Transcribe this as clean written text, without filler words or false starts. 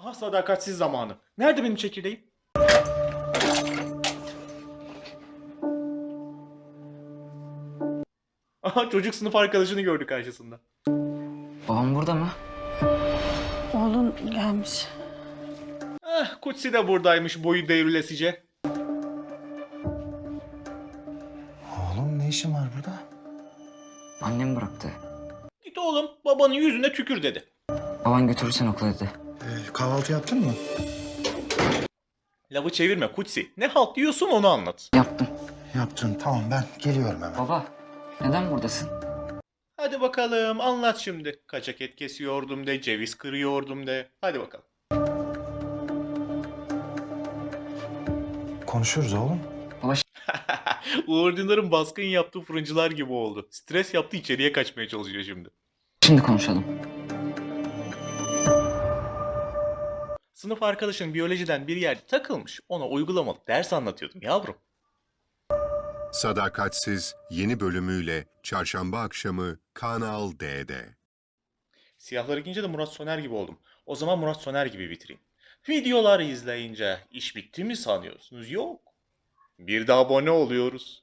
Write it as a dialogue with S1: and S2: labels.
S1: Aha sadakatsiz zamanı. Nerede benim çekirdeğim? Aha çocuk sınıf arkadaşını gördü karşısında.
S2: Babam burada mı?
S3: Oğlun gelmiş.
S1: Kutsi de buradaymış boyu devrilesice.
S4: Oğlum ne işin var burada?
S2: Annem bıraktı.
S1: Git oğlum babanın yüzüne tükür dedi.
S2: Baban götürürsen okula dedi.
S4: Kahvaltı yaptın mı?
S1: Lafı çevirme Kutsi. Ne halt diyorsun onu anlat.
S2: Yaptım.
S4: Yaptın. Tamam ben geliyorum hemen.
S2: Baba, neden buradasın?
S1: Hadi bakalım anlat şimdi. Kaçak et kesiyordum de, ceviz kırıyordum de. Hadi bakalım.
S4: Konuşuruz oğlum.
S2: Baba
S1: Uğur Dündar'ın baskın yaptığı fırıncılar gibi oldu. Stres yaptı içeriye kaçmaya çalışıyor şimdi.
S2: şimdi konuşalım.
S1: Sınıf arkadaşın biyolojiden bir yerde takılmış. Ona uygulamalı ders anlatıyordum yavrum.
S5: Sadakatsiz yeni bölümüyle çarşamba akşamı Kanal D'de.
S1: Siyahları giyince de Murat Soner gibi oldum. O zaman Murat Soner gibi bitireyim. Videoları izleyince iş bitti mi sanıyorsunuz? Yok. Bir de abone oluyoruz.